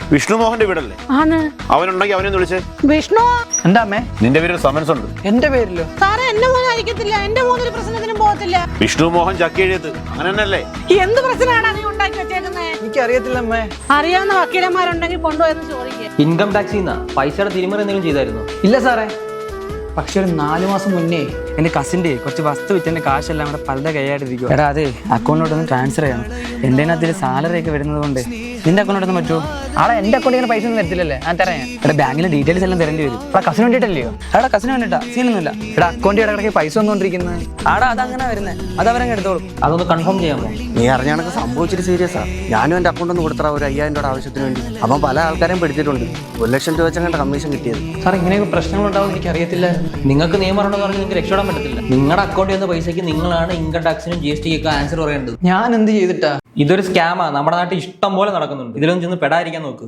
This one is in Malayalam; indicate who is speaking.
Speaker 1: വിഷ്ണു മോഹന്റെ വീടല്ലേ? അവനുണ്ടെങ്കിൽ അവനെ വിളിച്ചേ.
Speaker 2: വിഷ്ണു
Speaker 3: എന്താ അമ്മേ?
Speaker 1: നിന്റെ പേരിൽ സമൻസ് ഉണ്ട്.
Speaker 3: എന്റെ പേരിലോ?
Speaker 2: സാറേ എന്റെ മോൻ അയക്കത്തില്ല, എന്റെ മോനൊരു പ്രശ്നത്തിനും പോകത്തില്ല.
Speaker 1: വിഷ്ണു മോഹൻ ചക്കിയെഴുത്ത് അങ്ങനെ തന്നെയല്ലേ?
Speaker 2: എന്ത് പ്രശ്നമാണ് നീ ഉണ്ടാക്കി വെച്ചേക്കുന്നത്?
Speaker 3: എനിക്കറിയത്തില്ല അമ്മേ.
Speaker 2: അറിയാവുന്ന വക്കീലന്മാരുണ്ടെങ്കിൽ കൊണ്ടുപോയെന്ന് ചോദിക്കുക.
Speaker 4: ഇൻകം ടാക്സിൽ നിന്നാ പൈസയുടെ തിരിമറി എന്തെങ്കിലും ചെയ്തായിരുന്നു?
Speaker 3: ഇല്ല സാറേ, പക്ഷെ ഒരു 4 മാസം മുന്നേ എന്റെ കസിന്റെ കുറച്ച് വസ്തു വിറ്റെന്റെ കാശെല്ലാം കൂടെ പലരുടെ കൈയായിട്ടിരിക്കും. എടാ അതെ, അക്കൗണ്ടിലോട്ടൊന്ന് ട്രാൻസ്ഫർ ചെയ്യണം. എന്റെ അതിൽ സാലറി ഒക്കെ വരുന്നത് കൊണ്ട് നിന്റെ അക്കൗണ്ടിലൊന്നും പറ്റുമോ? ആടെ എന്റെ അക്കൗണ്ടിൽ ഇങ്ങനെ പൈസ ഒന്നും തരത്തില്ലല്ലേ? ഞാൻ തരാം. എടാ ബാങ്കിലെ ഡീറ്റെയിൽസ് എല്ലാം തരേണ്ടി വരും. എടാ കസിന് വേണ്ടിയിട്ടല്ലയോ? എടാ കസിന് വേണ്ടിട്ടാ, സീനൊന്നുമില്ല. എടാ അക്കൗണ്ടിൽ ഇടക്കിടക്ക് പൈസ വന്നുകൊണ്ടിരിക്കുന്നത്. ആടാ അതങ്ങനെ വരുന്നത്, അതവരങ്ങ് എടുത്തോളും.
Speaker 4: അതൊന്ന് കൺഫേം ചെയ്യാമോ?
Speaker 5: നീ അറിഞ്ഞാണൊക്കെ സംഭവിച്ചിട്ട് സീരിയസാ. ഞാനും എൻ്റെ അക്കൗണ്ട് ഒന്ന് കൊടുത്തറ ഒരു 5000 രൂപ ആവശ്യത്തിന് വേണ്ടി. അപ്പം പല ആൾക്കാരെയും പിടിച്ചിട്ടുണ്ട്. 1 ലക്ഷം രൂപ വെച്ചങ്ങാണ്ട് കമ്മീഷൻ കിട്ടിയത്.
Speaker 4: സാർ ഇങ്ങനെയൊക്കെ പ്രശ്നങ്ങൾ ഉണ്ടാവും എനിക്ക് അറിയത്തില്ല. നിങ്ങൾക്ക് നിയമം ഉണ്ടെന്ന് പറഞ്ഞാൽ നിങ്ങൾക്ക് രക്ഷപ്പെടാൻ പറ്റത്തില്ല. നിങ്ങളുടെ അക്കൗണ്ടിൽ വന്ന പൈസയ്ക്ക് നിങ്ങളാണ് ഇൻകം ടാക്സിനും GST ഒക്കെ ആൻസർ പറയേണ്ടത്.
Speaker 3: ഞാൻ എന്ത് ചെയ്തിട്ടാ?
Speaker 4: ഇതൊരു സ്കാമാ, നമ്മുടെ നാട്ടിൽ ഇഷ്ടം പോലെ നടക്കുന്നുണ്ട്. ഇതിലൊന്നും ചെന്ന് പെടാതിരിക്കാൻ നോക്ക്.